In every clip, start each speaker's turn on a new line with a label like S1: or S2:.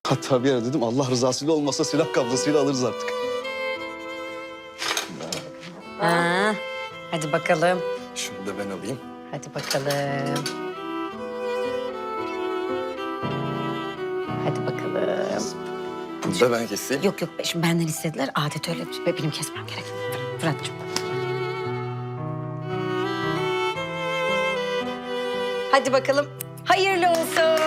S1: Hatta bir ara dedim Allah rızasıyla olmasa silah kablasıyla alırız artık.
S2: Ha, hadi bakalım.
S1: Şunu da ben alayım.
S2: Hadi bakalım. Hadi bakalım.
S1: Bunu da ben keseyim.
S2: Yok yok, şimdi benden istediler. Adet öyle. Benim kesmem gerek. Fırat'cığım. Hadi bakalım. Hayırlı olsun.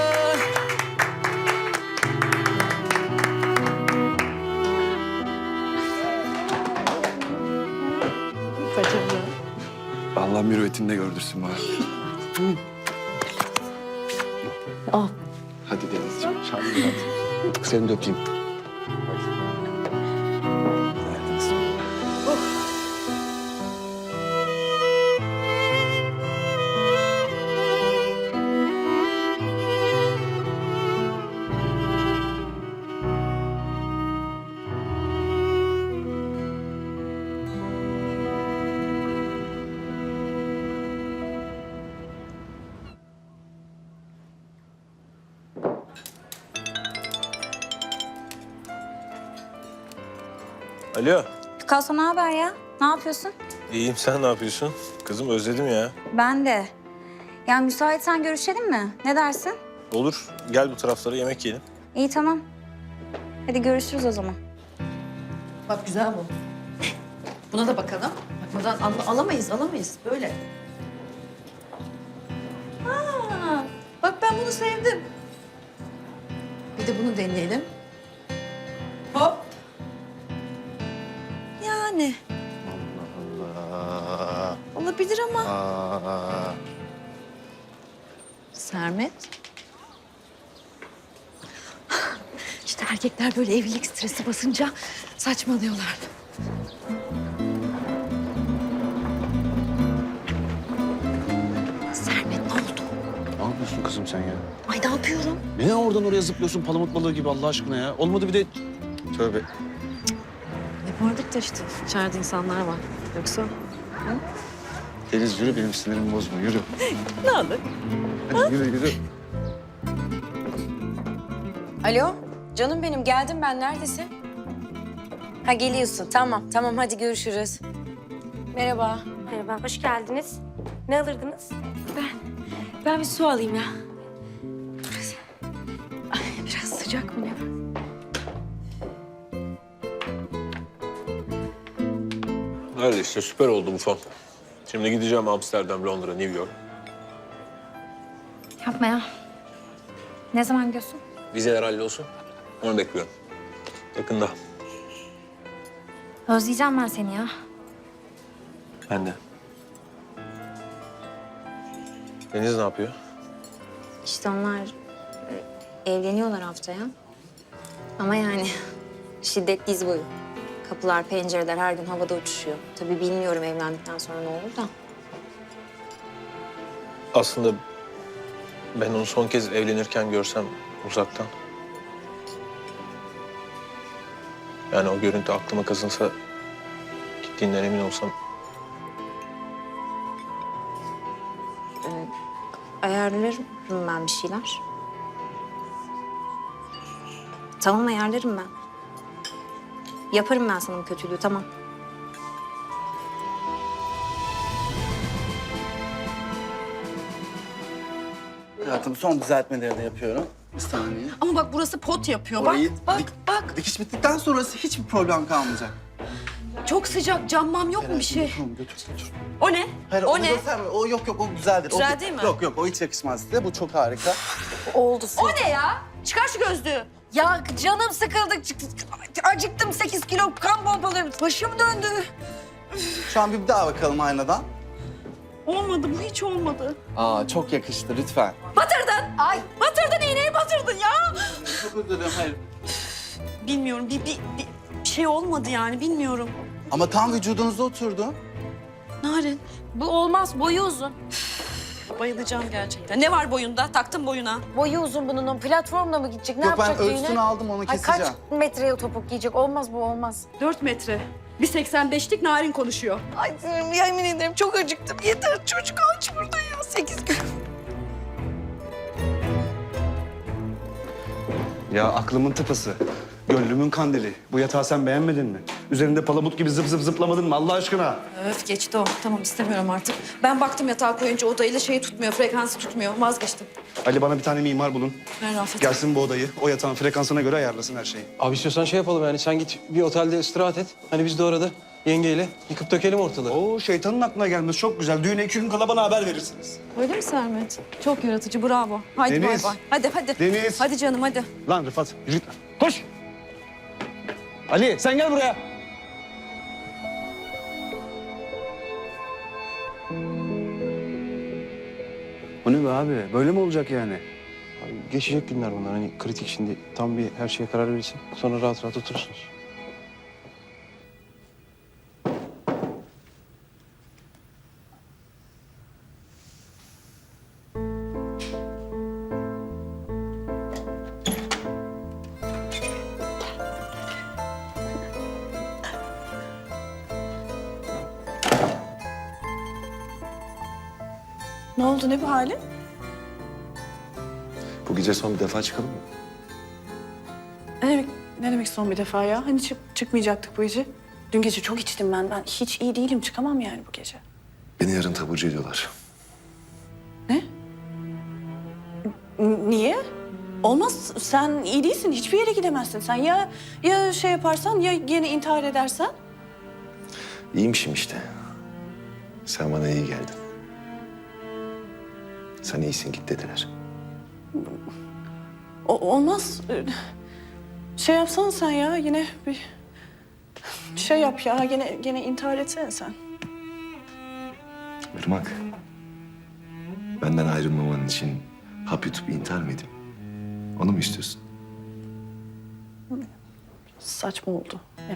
S1: Allah mürüvvetinde gördürsün bana.
S2: Al.
S1: Hadi Denizciğim. Şahane hadi. Seni de öpeyim.
S3: Alo.
S4: Picasso ne haber ya? Ne yapıyorsun?
S3: İyiyim, sen ne yapıyorsun? Kızım özledim ya.
S4: Ben de. Ya müsaitsen görüşelim mi? Ne dersin?
S3: Olur, gel bu taraflara yemek yiyelim.
S4: İyi tamam. Hadi görüşürüz o zaman.
S5: Bak güzel bu. Buna da bakalım. Bakmadan alamayız böyle. Aa, bak ben bunu sevdim. Bir de bunu deneyelim. Hop. Yani
S1: Allah
S5: olabilir ama.
S1: Allah.
S5: Sermet. İşte erkekler böyle evlilik stresi basınca saçmalıyorlar. Sermet ne oldu?
S1: Ne yapıyorsun kızım sen ya?
S5: Ay ne yapıyorum?
S1: Ne oradan oraya zıplıyorsun palamut balığı gibi Allah aşkına ya? Olmadı bir de... Tövbe.
S5: Yapardık da işte içeride insanlar var. Yoksa
S1: Deniz yürü benim sinirimi bozma yürü.
S5: ne olur?
S1: Hadi yürü yürü.
S2: Alo, canım benim. Geldim ben. Neredesin? Ha, geliyorsun. Tamam, tamam. Hadi görüşürüz. Merhaba.
S6: Merhaba, hoş geldiniz. Ne alırdınız? Ben bir su alayım ya.
S5: Biraz sıcak mı ne?
S3: Öyle işte, süper oldu bu fon. Şimdi gideceğim Amsterdam, Londra, New York.
S4: Yapma ya. Ne zaman gidiyorsun?
S3: Vizeler hallolsun. Onu bekliyorum. Yakında.
S4: Özleyeceğim ben seni ya.
S3: Ben de. Deniz ne yapıyor?
S4: İşte onlar evleniyorlar haftaya. Ama yani şiddetli iz boyu. Kapılar, pencereler her gün havada uçuşuyor. Tabii bilmiyorum evlendikten sonra ne olur da.
S3: Aslında ben onu son kez evlenirken görsem uzaktan. Yani o görüntü aklıma kazınsa, gittiğinden emin olsam.
S4: Ayarlarım ben bir şeyler. Tamam ayarlarım ben. Yaparım ben sana bu kötülüğü tamam.
S7: Hayatım son düzeltmeleri de yapıyorum. Bir saniye.
S5: Ama bak burası pot yapıyor.
S7: Orayı
S5: bak,
S7: dik-
S5: bak.
S7: Dikiş bittikten sonrası hiçbir problem kalmayacak.
S5: Çok sıcak. Cam yok mu bir şey?
S7: Tamam götür götür.
S5: O ne?
S7: Hayır
S5: O
S7: onu
S5: ne?
S7: gösterme. O yok o güzeldir.
S5: Güzel
S7: O,
S5: değil mi?
S7: Yok yok o hiç yakışmaz size. Bu çok harika.
S2: Oldu.
S5: O ne ya? Çıkar şu gözlüğü.
S2: Ya canım sıkıldı. Acıktım. 8 kilo kan pompalıyorum. Başım döndü.
S7: Şu an bir daha bakalım aynadan.
S5: Olmadı bu hiç olmadı.
S7: Aa çok yakıştı lütfen.
S5: Batırdın. Ay batırdın iğneyi batırdın ya.
S7: Çok özür dilerim hayır.
S5: Bilmiyorum bir şey olmadı yani bilmiyorum.
S7: Ama tam vücudunuza oturdu.
S5: Narin
S6: Bu olmaz, boyu uzun.
S5: bayılacağım gerçekten. Ne var boyunda? Taktım boyuna.
S2: Boyu uzun bunun. O platformla mı gidecek? Ne
S7: Yok ben
S2: yapacak
S7: ölçüsünü
S2: düğüne?
S7: aldım onu
S2: Ay,
S7: keseceğim.
S2: kaç metreye topuk giyecek? Olmaz bu, olmaz.
S5: 4 metre. Bir 85'lik Narin konuşuyor.
S2: Ay yemin ederim çok acıktım. Yeter çocuk aç burada ya. 8 kilo.
S1: Ya aklımın tıpası. Gönlümün kandili. Bu yatağı sen beğenmedin mi? Üzerinde palamut gibi zıp zıp zıplamadın mı Allah aşkına?
S5: Öf geçti o. Tamam istemiyorum artık. Ben baktım yatağa koyunca odayla şeyi tutmuyor, frekansı tutmuyor. Vazgeçtim.
S1: Ali bana bir tane mimar bulun.
S5: Ver Rafet.
S1: Gelsin bu odayı. O yatağın frekansına göre ayarlasın her şeyi.
S8: Abi istiyorsan şey yapalım yani sen git bir otelde istirahat et. Hani biz de orada yengeyle yıkıp dökelim ortalığı.
S1: Oo şeytanın aklına gelmesi çok güzel. Düğüne 2 gün kala bana haber verirsiniz.
S5: Öyle mi Sermet? Çok yaratıcı, bravo. Haydi bay
S1: Deniz.
S5: bay. Hadi hadi.
S1: Deniz.
S5: Hadi canım hadi.
S1: Lan Rıfat yürü git. Koş. Ali sen gel buraya. O ne be abi? Böyle mi olacak yani?
S8: Abi geçecek günler bunlar hani kritik şimdi tam bir her şeye karar verirsin. Sonra rahat rahat oturursunuz.
S9: Ne oldu, ne bu hali?
S10: Bu gece son bir defa çıkalım mı?
S9: Ne demek son bir defa ya? Hani çıkmayacaktık bu gece. Dün gece çok içtim ben. Ben hiç iyi değilim, çıkamam yani bu gece.
S10: Beni yarın taburcu ediyorlar.
S9: Niye? Olmaz, sen iyi değilsin. Hiçbir yere gidemezsin sen. Ya şey yaparsan, ya yine intihar edersen?
S10: İyiymişim işte. Sen bana iyi geldin. Sen iyisin git dediler.
S9: Olmaz. Şey yapsana sen ya, yine bir şey yap ya. Gene intihar etsene sen.
S10: Irmak. Benden ayrılmaman için hap yutup intihar mı edeyim? Onu mu istiyorsun?
S9: Saçma oldu, evet.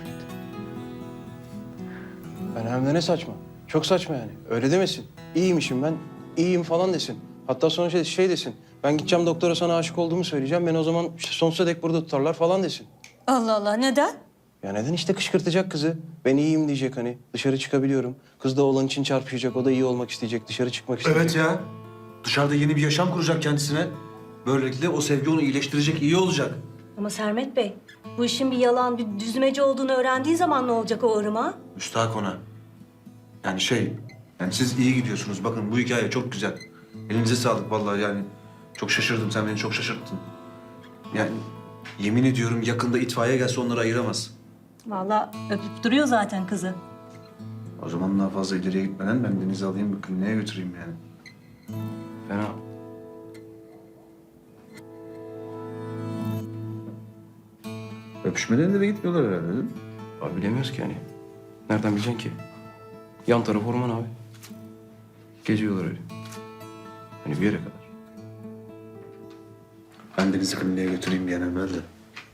S8: Ben hem de ne saçma. Çok saçma yani. Öyle demesin. İyiymişim ben, iyiyim falan desin. Hatta sonra şey desin. Ben gideceğim doktora sana aşık olduğumu söyleyeceğim. Beni o zaman işte sonsuza dek burada tutarlar falan desin.
S6: Allah Allah neden?
S8: Ya neden işte kışkırtacak kızı? Ben iyiyim diyecek hani. Dışarı çıkabiliyorum. Kız da oğlan için çarpışacak. O da iyi olmak isteyecek. Dışarı çıkmak isteyecek.
S1: Evet ya. Dışarıda yeni bir yaşam kuracak kendisine. Böylelikle o sevgi onu iyileştirecek, iyi olacak.
S6: Ama Sermet Bey, bu işin bir yalan, bir düzmece olduğunu öğrendiği zaman ne olacak o Irmak'a?
S1: Müstahak ona. Yani yani siz iyi gidiyorsunuz. Bakın bu hikaye çok güzel. Elinize sağlık vallahi yani. Çok şaşırdım, sen beni çok şaşırttın. Yani yemin ediyorum yakında itfaiye gelse onları ayıramaz.
S6: Vallahi öpüp duruyor zaten kızı.
S1: O zaman daha fazla ileriye gitmeden ben Deniz'i alayım bir kliniğe götüreyim yani.
S8: Fena.
S1: Öpüşmeden de gitmiyorlar herhalde değil mi?
S8: Abi bilemiyoruz ki yani. Nereden bileceksin ki? Yan taraf orman abi. Geziyorlar öyle. Hani bir yere kadar.
S1: Ben Deniz'i kliniğe götüreyim bir an evvel de.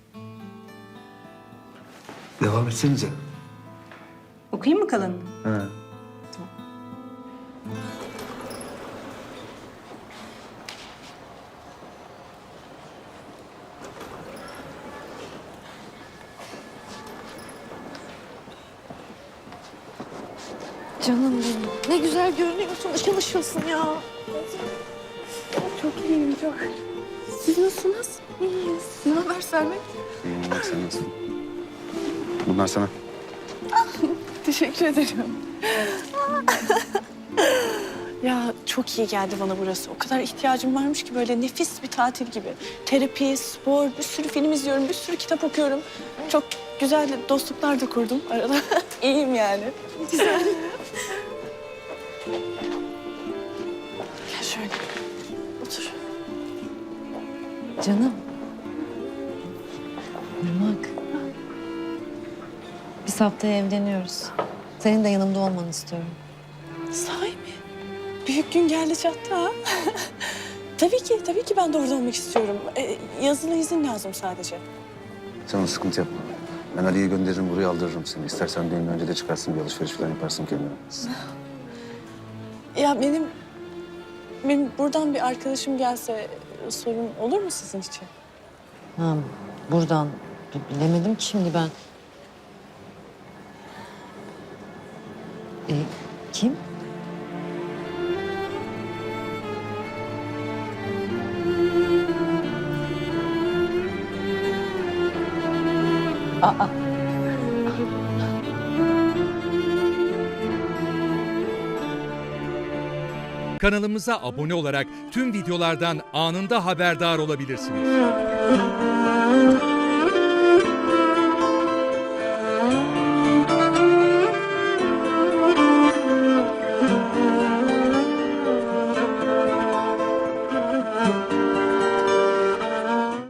S1: Devam etsenize.
S6: Okuyayım mı kalanını?
S1: Ha.
S5: Canım benim. Ne güzel görünüyorsun. Işıl ışılsın ya. Çok iyiyim, çok. Siz nasılsınız? İyiyiz. Ne haber Sermet?
S1: İyiyim bak sen nasılsın? Bunlar sana.
S9: Teşekkür ederim. Ya çok iyi geldi bana burası. O kadar ihtiyacım varmış ki böyle nefis bir tatil gibi. Terapi, spor, bir sürü film izliyorum, bir sürü kitap okuyorum. Çok güzel dostluklar da kurdum arada. İyiyim yani. Güzel. Gel şöyle. Otur.
S5: Canım. Irmak. Biz haftaya evleniyoruz. Senin de yanımda olmanı istiyorum.
S9: Sahi mi? Büyük gün geldi çattı ha. Tabii ki ben de orada olmak istiyorum. Yazılı izin lazım sadece.
S10: Sen ona sıkıntı yapma. Ben Ali'yi gönderirim buraya aldırırım seni. İstersen düğünden önce de çıkarsın bir alışveriş falan yaparsın kendine.
S9: Ya benim buradan bir arkadaşım gelse sorun olur mu sizin için?
S5: Ha, buradan. Bilemedim ki şimdi ben. Kim?
S11: Kanalımıza abone olarak tüm videolardan anında haberdar olabilirsiniz.